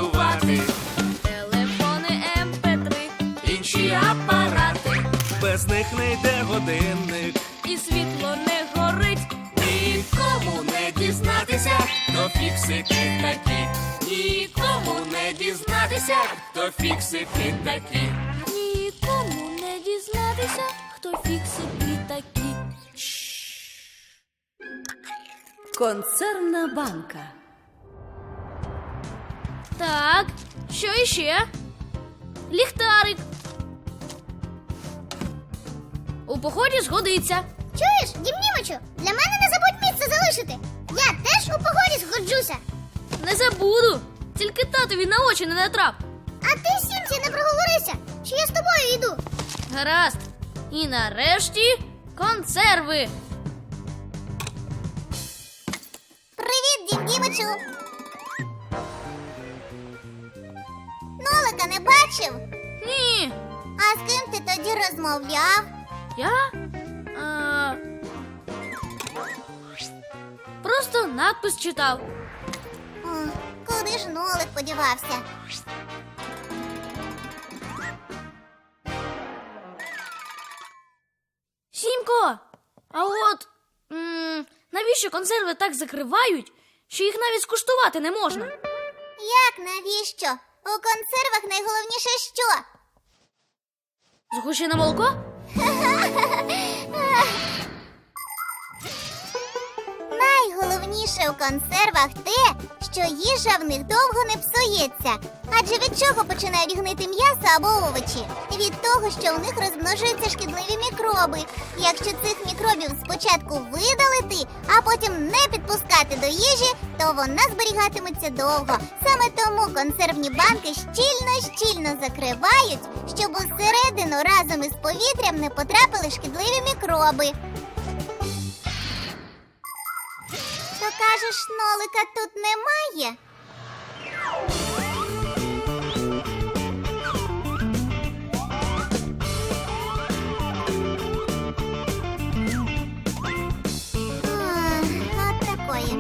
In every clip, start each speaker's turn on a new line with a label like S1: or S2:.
S1: працювати.
S2: Телефони, MP3,
S1: Інші апарати, без них не йде годинник.
S2: і світло не горить.
S1: Нікому не дізнатися, хто фіксики такі. Нікому не дізнатися, хто фіксики такі.
S2: Нікому не дізнатися, хто фіксики такі.
S3: Консервна банка.
S2: Так, що іще? Ліхтарик. У поході згодиться.
S4: Чуєш, Дім Німичу, для мене не забудь місце залишити. Я теж у погоді згоджуся.
S2: Не забуду. Тільки татові на очі не натрап.
S4: А ти, Сімці, не проговорися, що я з тобою йду.
S2: Гаразд. І нарешті консерви.
S4: Привіт, Дім Дімичу. Нолика не бачив?
S2: Ні.
S4: А з ким ти тоді розмовляв?
S2: Я? Просто надпис читав.
S4: О, куди ж Нолик подівався?
S2: Сімко, а от навіщо консерви так закривають, що їх навіть скуштувати не можна?
S4: Як навіщо? У консервах найголовніше що?
S2: Згущене молоко?
S4: Найголовніше у консервах те, що їжа в них довго не псується. Адже від чого починають гнити м'ясо або овочі? Від того, що у них розмножуються шкідливі мікроби. Якщо цих мікробів спочатку видалити, а потім не підпускати до їжі, то вона зберігатиметься довго. Саме тому консервні банки щільно закривають, щоб усередину разом із повітрям не потрапили шкідливі мікроби. То кажеш, Нолика тут немає? От такої.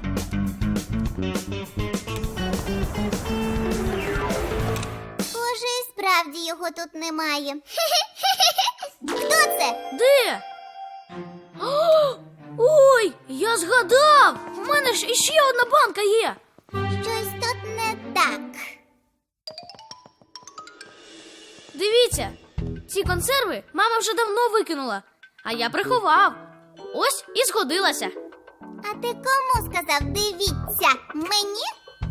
S4: Схоже, і справді його тут немає. Хто це?
S2: Де? О, ой, я згадав! У мене ж іще одна банка є.
S4: Щось тут не так.
S2: Дивіться, ці консерви мама вже давно викинула, а я приховав. Ось і згодилася.
S4: А ти кому сказав «дивіться»? Мені?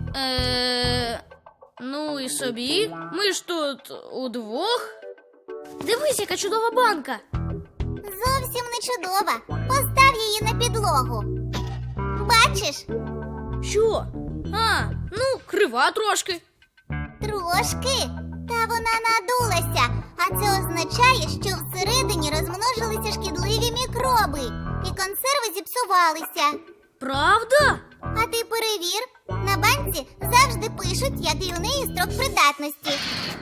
S2: Ну і собі. Ми ж тут удвох. Дивись, яка чудова банка.
S4: Зовсім не чудова. Постав її на підлогу. Бачиш?
S2: Що? Ну, крива трошки.
S4: Трошки. Та вона надулася. А це означає, що всередині розмножилися шкідливі мікроби. І консерви зіпсувалися.
S2: Правда?
S4: А ти перевір. На банці завжди пишуть, який у неї строк придатності.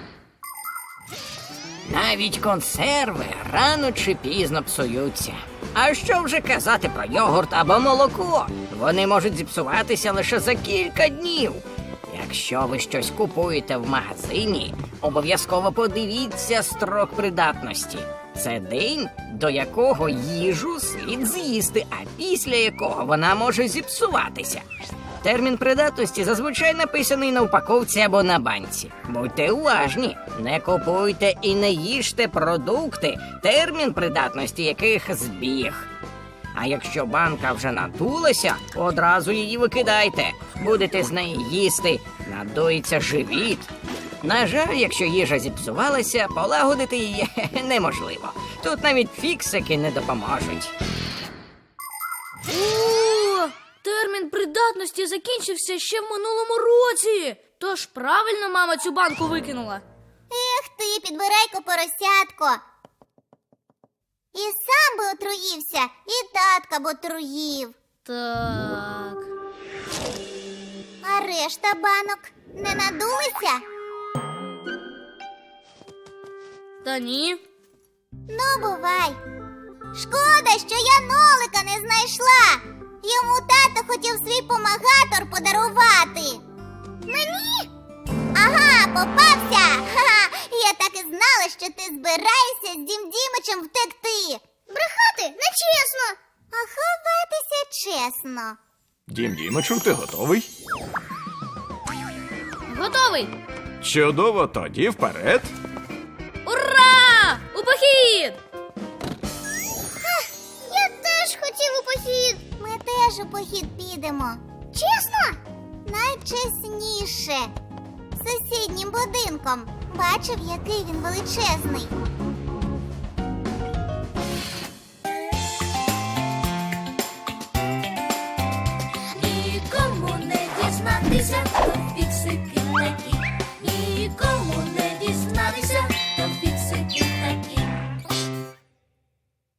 S5: Навіть консерви рано чи пізно псуються. А що вже казати про йогурт або молоко? Вони можуть зіпсуватися лише за кілька днів. Якщо ви щось купуєте в магазині, обов'язково подивіться строк придатності. Це день, до якого їжу слід з'їсти, а після якого вона може зіпсуватися. Термін придатності зазвичай написаний на упаковці або на банці. Будьте уважні, не купуйте і не їжте продукти, термін придатності яких збіг. А якщо банка вже надулася, одразу її викидайте. Будете з неї їсти, надується живіт. На жаль, якщо їжа зіпсувалася, полагодити її неможливо. Тут навіть фіксики не допоможуть.
S2: О, термін придатності закінчився ще в минулому році. Тож правильно мама цю банку викинула.
S4: Ех ти, підбирайко поросятко. І сам би отруївся, і татка б отруїв.
S2: Так.
S4: А решта банок не надулися?
S2: Та ні.
S4: Ну, бувай. Шкода, що я Нолика не знайшла. Йому тато хотів свій помагатор подарувати. Мені? попався! Ха-ха! Я так і знала, що ти збираєшся з Дім Дімичем втекти. Брехати нечесно. А ховатися чесно.
S3: Дім Дімичу, ти готовий?
S2: Готовий!
S3: Чудово, тоді вперед.
S2: Ура! У похід!
S4: Я теж хотів у похід. Ми теж у похід підемо. Чесно? Найчесніше. Сусіднім будинком. Бачив, який він величезний.